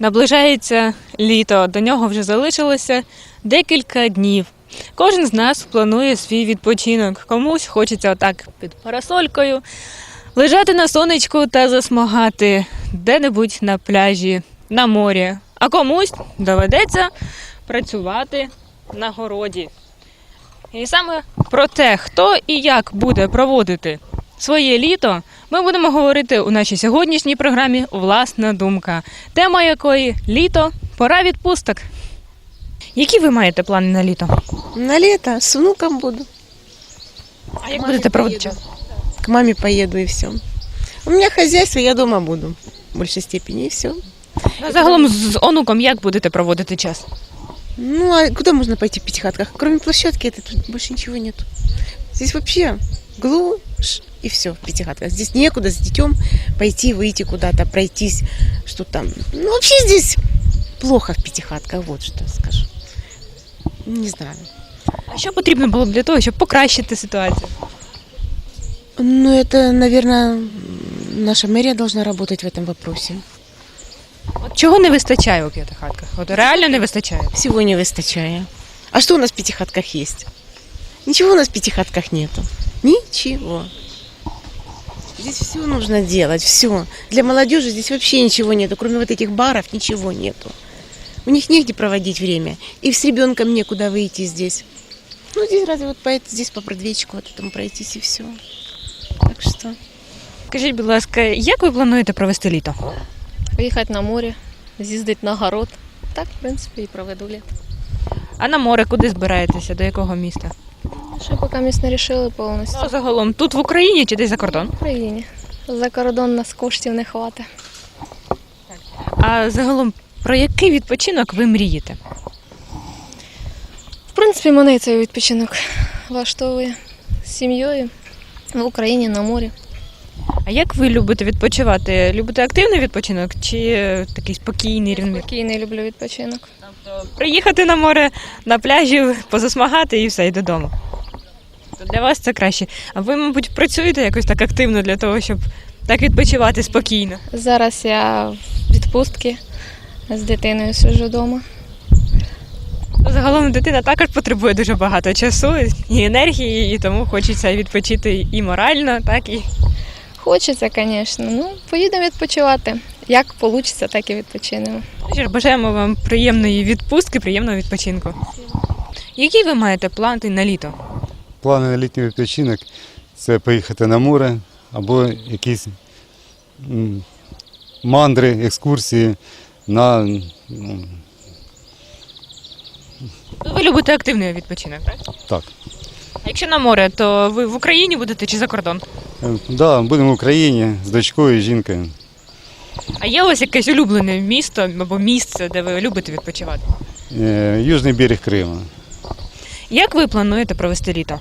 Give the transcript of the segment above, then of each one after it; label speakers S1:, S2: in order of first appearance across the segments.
S1: Наближається літо, до нього вже залишилося декілька днів. Кожен з нас планує свій відпочинок. Комусь хочеться отак під парасолькою лежати на сонечку та засмагати де-небудь на пляжі, на морі. А комусь доведеться працювати на городі. І саме про те, хто і як буде проводити своє літо, ми будемо говорити у нашій сьогоднішній програмі «Власна думка», тема якої – літо, пора відпусток. Які ви маєте плани на літо?
S2: На лето с внуком буду.
S1: А як будете проводити час?
S2: К маме поеду и все. У меня хозяйство, я дома буду. В большей степени и все.
S1: Ну, загалом з онуком як будете проводити час?
S2: Ну, а куда можно пойти в Пятихатках? Кроме площадки этой тут больше ничего нет. Здесь вообще глушь и все в Пятихатках. Здесь некуда с детем пойти, выйти куда-то, пройтись, что там. Ну, вообще здесь плохо в Пятихатках, вот что скажу. Не знаю.
S1: А що потрібно було б для того, щоб покращити ситуацію?
S2: Ну, это, наверное, наша мэрия должна работать в этом вопросе.
S1: От чого не вистачає у П'ятихатках? От реально не вистачає.
S2: Всего не выстачая. А что у нас в Пятихатках есть? Ничего у нас в Пятихатках нету. Ничего. Здесь все нужно делать, все. Для молодежи здесь вообще ничего нету, кроме вот этих баров ничего нету. У них негде проводить время. И с ребенком некуда выйти здесь. Ну, здесь разве вот здесь по Бродвейчику вот этому пройтись и все. Так что...
S1: Скажіть, будь ласка, як ви плануєте провести літо?
S3: Поїхати на море, з'їздити на город. Так, в принципі, і проведу літо.
S1: А на море куди збираєтеся? До якого міста?
S3: Ще поки ми не рішили повністю.
S1: Ну, загалом, тут в Україні чи десь за кордон?
S3: В Україні. За кордон нас коштів не хватить.
S1: А загалом, про який відпочинок ви мрієте?
S3: В принципі, мене і цей відпочинок влаштовує з сім'єю в Україні на морі.
S1: А як ви любите відпочивати? Любите активний відпочинок чи такий спокійний, рівний?
S3: Спокійний люблю відпочинок.
S1: Тобто приїхати на море, на пляжі, позасмагати і все, і додому. То для вас це краще. А ви, мабуть, працюєте якось так активно для того, щоб так відпочивати спокійно?
S3: Зараз я в відпустці з дитиною сиджу вдома.
S1: Ну, загалом дитина також потребує дуже багато часу і енергії, і тому хочеться відпочити і морально, так і...
S3: Хочеться, звісно. Ну, поїдемо відпочивати. Як вийде, так і відпочинемо.
S1: Що ж, бажаємо вам приємної відпустки, приємного відпочинку. Які ви маєте плани на літо?
S4: Плани на літній відпочинок – це поїхати на море або якісь мандри, екскурсії на...
S1: Ви любите активний відпочинок, так?
S4: Так.
S1: А якщо на море, то ви в Україні будете чи за кордон?
S4: Да, будемо в Україні з дочкою і жінкою.
S1: А є у вас якесь улюблене місто або місце, де ви любите відпочивати?
S4: Южний берег Криму.
S1: Як ви плануєте провести літо?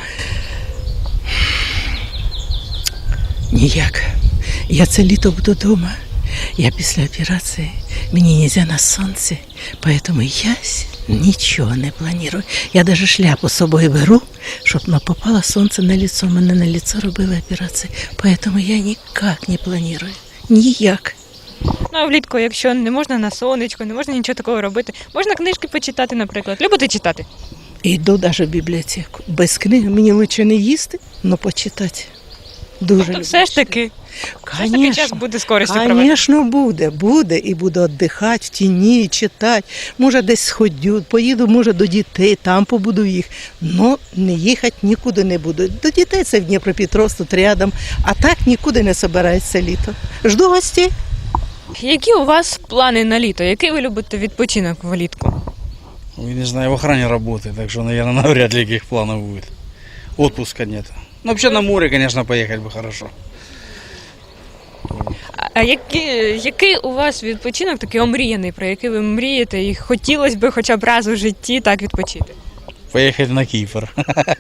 S5: Ніяк. Я це літо буду вдома. Я після операції, мені не можна на сонці, тому я нічого не планую. Я навіть шляпу з собою беру, щоб не попало сонце на лицо. Мене на лицо робили операцію, тому я ніяк не планую. Ніяк.
S1: Ну, а влітку, якщо не можна на сонечко, не можна нічого такого робити, можна книжки почитати, наприклад. Любите читати?
S5: Йду навіть в бібліотеку. Без книги мені краще не їсти, але почитати. Дуже
S1: Тобто все ж таки час буде з користю провести?
S5: Звісно, буде і буду віддихати в тіні, читати. Може десь сходю, поїду, може до дітей, там побуду їх. Но не їхати нікуди не буду. До дітей це в Дніпропетровськ, тут рядом, а так нікуди не збирається літо. Жду гостей.
S1: Які у вас плани на літо? Який ви любите відпочинок влітку?
S6: Ой, не знаю, в охране работает, так что, наверное, навряд ли каких планов будет. Отпуска нет. Ну, вообще на море, конечно, поехать бы хорошо.
S1: А який у вас відпочинок такий омріяний, про який ви мрієте і хотілося б хоча б раз у житті так відпочити?
S6: Поехать на Кипр.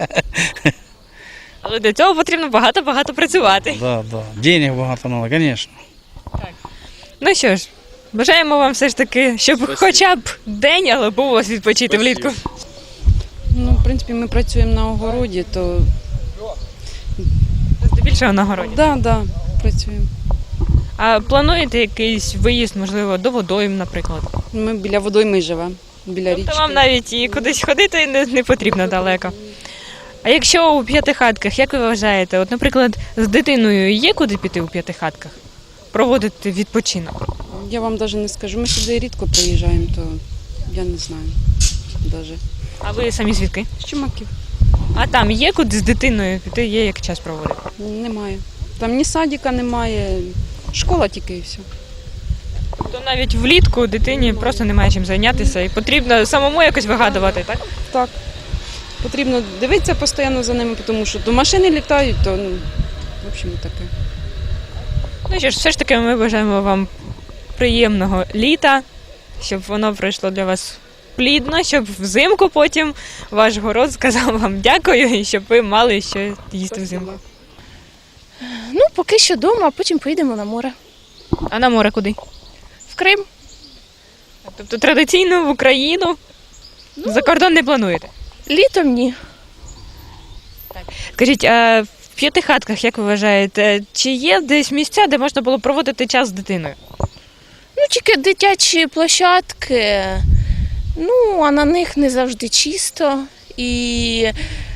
S1: Але для цього потрібно багато працювати.
S6: Да. Денег багато надо, конечно.
S1: Ну що ж, бажаємо вам все ж таки, щоб хоча б день, але був у вас відпочити влітку.
S7: Ну, в принципі, ми працюємо на огороді, то...
S1: Здебільшого на городі.
S7: Да, працюємо.
S1: А плануєте якийсь виїзд, можливо, до водойм, наприклад?
S7: Ми біля водойми живемо, біля річки.
S1: Тобто вам навіть і кудись ходити не потрібно далеко. А якщо у п'ятихатках, як ви вважаєте, от, наприклад, з дитиною є куди піти у п'ятихатках? Проводити відпочинок?
S7: Я вам навіть не скажу. Ми сюди рідко приїжджаємо, то я не знаю навіть.
S1: А ви самі звідки?
S7: З Чумаків
S1: А там є куди з дитиною піти, є як час проводити?
S7: немає. Там ні садика немає, школа тільки і все.
S1: То навіть влітку дитині просто немає чим зайнятися і потрібно самому якось вигадувати, так?
S7: Так. Потрібно дивитися постійно за ними, тому що то машини літають, то, в общем, таке.
S1: Ну що ж, все ж таки ми бажаємо вам приємного літа, щоб воно пройшло для вас плідно, щоб взимку потім ваш город сказав вам дякую і щоб ви мали що їсти взимку.
S3: Ну, поки що вдома, а потім поїдемо на море.
S1: А на море куди?
S3: В Крим.
S1: Тобто традиційно в Україну за кордон не плануєте?
S3: Літом ні.
S1: Скажіть, а в п'ятихатках, як ви вважаєте, чи є десь місця, де можна було проводити час з дитиною?
S3: Ну, тільки дитячі площадки, ну, а на них не завжди чисто. І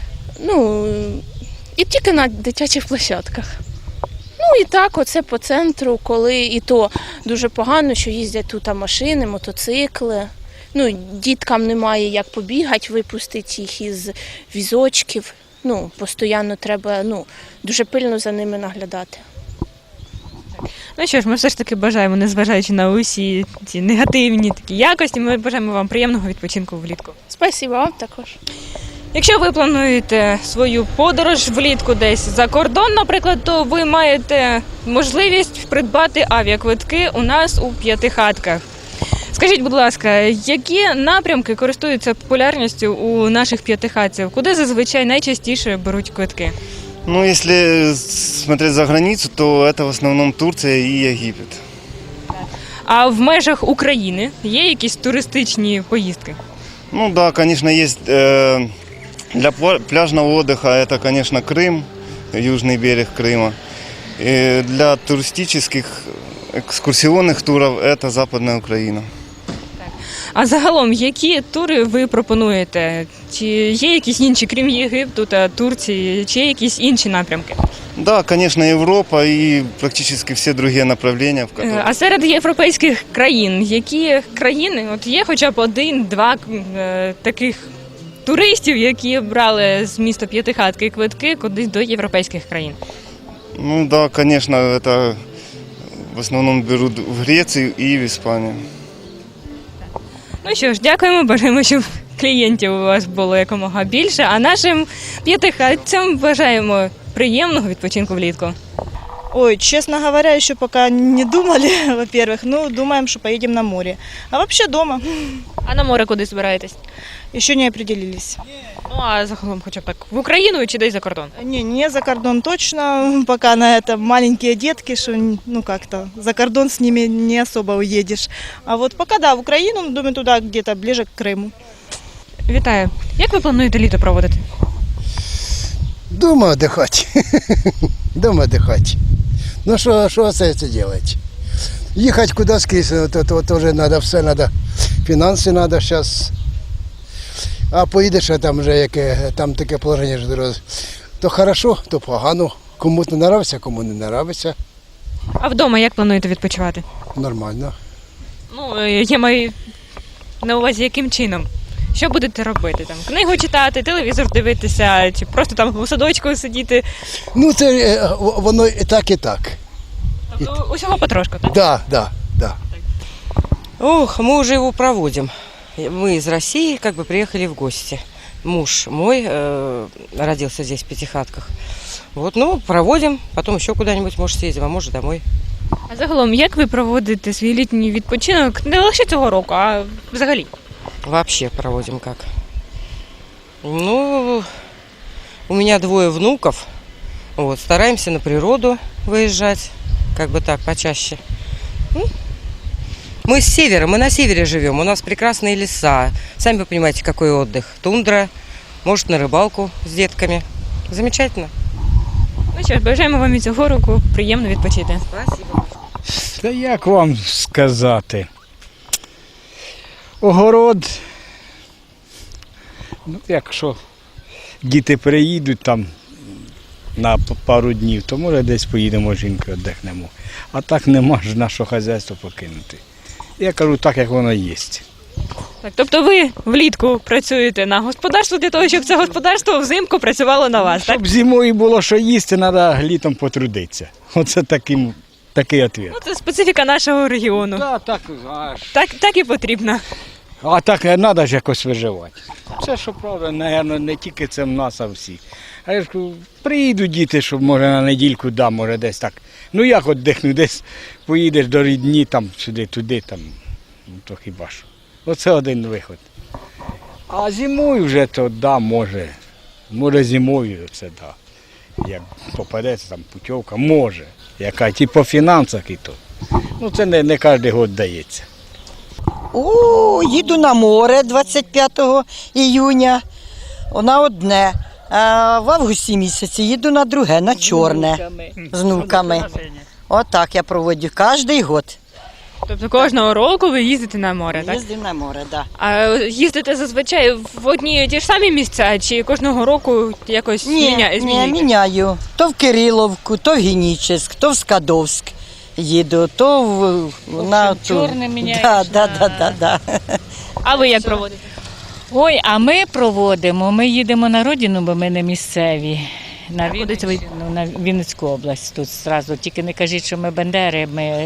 S3: тільки на дитячих площадках. Ну і так, оце по центру, коли і то дуже погано, що їздять тут машини, мотоцикли. Ну, діткам немає як побігати, випустити їх із візочків. Ну, постійно треба, дуже пильно за ними наглядати.
S1: Ну що ж, ми все ж таки бажаємо, незважаючи на усі ці негативні такі якості, ми бажаємо вам приємного відпочинку влітку.
S3: Спасибо вам також.
S1: Якщо ви плануєте свою подорож влітку десь за кордон, наприклад, то ви маєте можливість придбати авіаквитки у нас у п'ятихатках. Скажіть, будь ласка, які напрямки користуються популярністю у наших п'ятихатців? Куди зазвичай найчастіше беруть квитки?
S8: Ну, если смотреть за границу, то это в основном Турция и Египет.
S1: А в межах України є якісь туристичні поїздки?
S8: Ну да, конечно, есть для пляжного отдыха это, конечно, Крым, южный берег Крыма. И для туристических экскурсионных туров это Западная Украина.
S1: А загалом, які тури ви пропонуєте? Чи є якісь інші, крім Єгипту та Турції, чи є якісь інші напрямки?
S8: Да, конечно, Европа и практически все другие направления, в которых...
S1: А серед європейських країн, які країни, от є хоча б один-два таких туристів, які брали з міста П'ятихатки квитки кудись до європейських країн?
S8: Ну да, конечно, это в основном берут в Грецию и в Испанию.
S1: Ну що ж, дякуємо, бажаємо, щоб клієнтів у вас було якомога більше, а нашим п'ятихатцям бажаємо приємного відпочинку влітку.
S9: Ой, честно говоря, еще пока не думали, во-первых. Ну, думаем, что поедем на море. А вообще дома.
S1: А на море куди збираєтесь?
S9: Еще не определились.
S1: Ну, а загалом хоча б так в Україну чи десь за кордон?
S9: Не за кордон точно. Пока на это маленькие детки, что, как-то за кордон с ними не особо уедешь. А вот пока, да, в Украину, думаю, туда где-то ближе к Крыму.
S1: Вітаю. Як ви плануєте літо проводити?
S10: Дома отдыхать. Дома отдыхать. Ну что остается делать? Ехать куда скрізь, это тоже надо, все надо. Фінанси надо сейчас. А поїдеш, а там вже там таке положення ж дорога. То хорошо, то погано. Кому не нравиться, кому не нравиться.
S1: А вдома як плануєте відпочивати?
S10: Нормально.
S1: Ну, я маю на увазі, яким чином? Що будете робити? Там книгу читати, телевізор дивитися, чи просто там у садочку сидіти?
S10: Ну це воно і так, і так.
S1: Тобто усього потрошку, так?
S10: Да.
S11: Ох, мы уже его проводим. Мы из России приехали в гости. Муж мой родился здесь в Пятихатках. Вот, проводим, потом еще куда-нибудь, может, съездим, а может, домой.
S1: А загалом, як ви проводите свій літній відпочинок не лише цього року, а взагалі?
S11: Вообще проводим как. Ну, у меня 2 внуков. Вот, стараемся на природу выезжать, так, почаще. Мы с севера, мы на севере живем, у нас прекрасные леса. Сами вы понимаете, какой отдых. Тундра, может, на рыбалку с детками. Замечательно.
S1: Ну що ж, бажаємо вам і цього року приємно відпочити.
S11: Спасибо.
S12: Та як вам сказати? Огород, ну, якщо діти приїдуть там на пару днів, то може десь поїдемо, жінкою віддихнемо. А так нема ж нашого хазяйства покинути. Я кажу так, як воно є.
S1: Так, тобто ви влітку працюєте на господарство для того, щоб це господарство взимку працювало на вас, так?
S12: Щоб зимою було що їсти, треба літом потрудитися. Оце такий відповідь.
S1: Ну, це специфіка нашого регіону. Так і потрібно.
S12: А так треба ж якось виживати. Це, що правда, мабуть, не тільки це в нас, а всі. А я ж кажу, приїдуть діти, щоб може на недільку, може десь так. Ну як віддихну, десь поїдеш до рідні, там, сюди, туди, там, ну, то хіба що. Оце один виход. А зимою вже то, може. Може зимою це, як попадеться там путівка, може. Яка, ті по фінансах і то. Ну це не кожен год дається.
S13: Їду на море 25 іюня, на одне. А в августі місяці їду на друге, на чорне, з внуками. Отак я проводжу кожен год.
S1: Тобто кожного року ви їздите на море, так?
S13: Їздив на море, так.
S1: А їздите зазвичай в одні і ті ж самі місця, чи кожного року якось змінюєте?
S13: Ні, міняю. То в Кириловку, то в Генічеськ, то в Скадовськ їду, то на
S14: Чорне міняєш.
S13: Так.
S1: А ви як проводите?
S14: Ой, а ми проводимо, ми їдемо на родину, бо ми не місцеві. На Вінницьку область тут зразу. Тільки не кажіть, що ми бандери, ми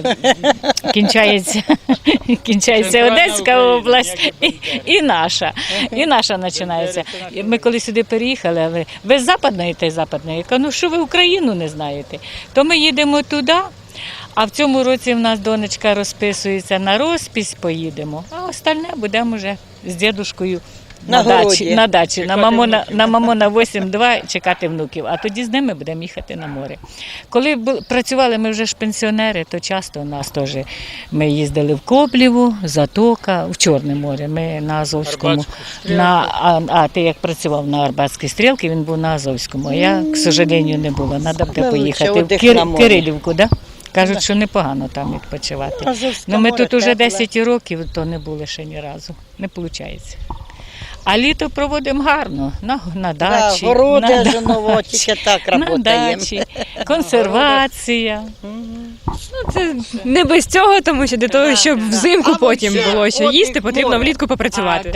S14: кінчається Одеська область і наша починається. Ми коли сюди переїхали, але ви з Западної та й Западної, я кажу, ну що ви Україну не знаєте? То ми їдемо туди, а в цьому році в нас донечка розписується на розпись, поїдемо, а остальне будемо вже з дідушкою на дачі, на Мамона 8-2 чекати внуків, а тоді з ними будемо їхати на море. Коли працювали ми вже ж пенсіонери, то часто у нас теж ми їздили в Коблєву, Затока, в Чорне море, ми на Азовському. А ти як працював на Арбатській стрілці, він був на Азовському, а я, к сожалению, не було, треба буде поїхати в Кирилівку, да? Кажуть, що непогано там відпочивати. Ну, ми тут уже 10 років, то не були ще ні разу, не виходить. А літо проводимо гарно, на дачі.
S13: Городи, тільки так працюємо.
S1: На дачі, консервація. Ну, це не без цього, тому що для того, щоб взимку потім було що їсти, потрібно влітку попрацювати.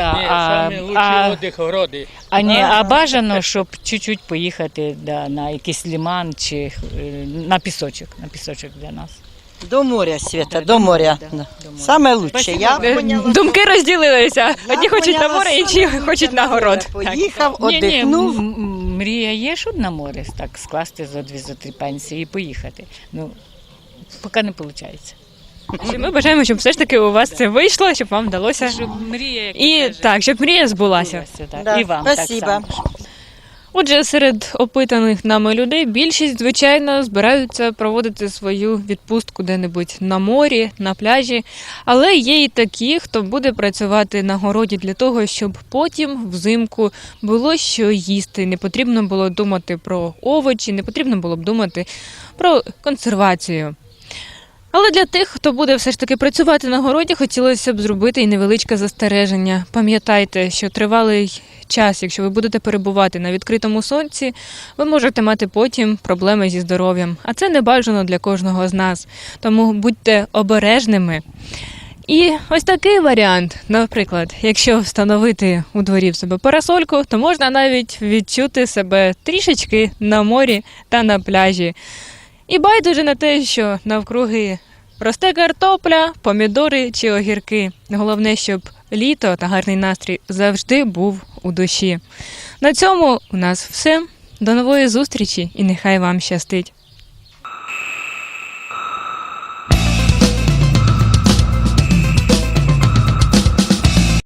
S14: А бажано, щоб чуть-чуть поїхати на якийсь лиман чи на пісочок для нас.
S13: До моря, Свята, до моря. Саме лучше.
S1: Думки розділилися. Одні хочуть на море, інші хочуть на город.
S13: Поїхав, одихнув.
S14: Мрія є, щоб на море так скласти за 2-3 пенсії і поїхати. Ну, поки не виходить.
S1: Ми бажаємо, щоб все ж таки у вас це вийшло, щоб вам вдалося.
S14: Щоб мрія,
S1: щоб мрія збулася.
S14: І вам так само.
S1: Отже, серед опитаних нами людей більшість, звичайно, збираються проводити свою відпустку де-небудь на морі, на пляжі, але є і такі, хто буде працювати на городі для того, щоб потім взимку було що їсти, не потрібно було думати про овочі, не потрібно було б думати про консервацію. Але для тих, хто буде все ж таки працювати на городі, хотілося б зробити і невеличке застереження. Пам'ятайте, що тривалий час, якщо ви будете перебувати на відкритому сонці, ви можете мати потім проблеми зі здоров'ям. А це не бажано для кожного з нас. Тому будьте обережними. І ось такий варіант, наприклад, якщо встановити у дворі в себе парасольку, то можна навіть відчути себе трішечки на морі та на пляжі. І байдуже на те, що навкруги росте картопля, помідори чи огірки. Головне, щоб літо та гарний настрій завжди був у душі. На цьому у нас все. До нової зустрічі і нехай вам щастить.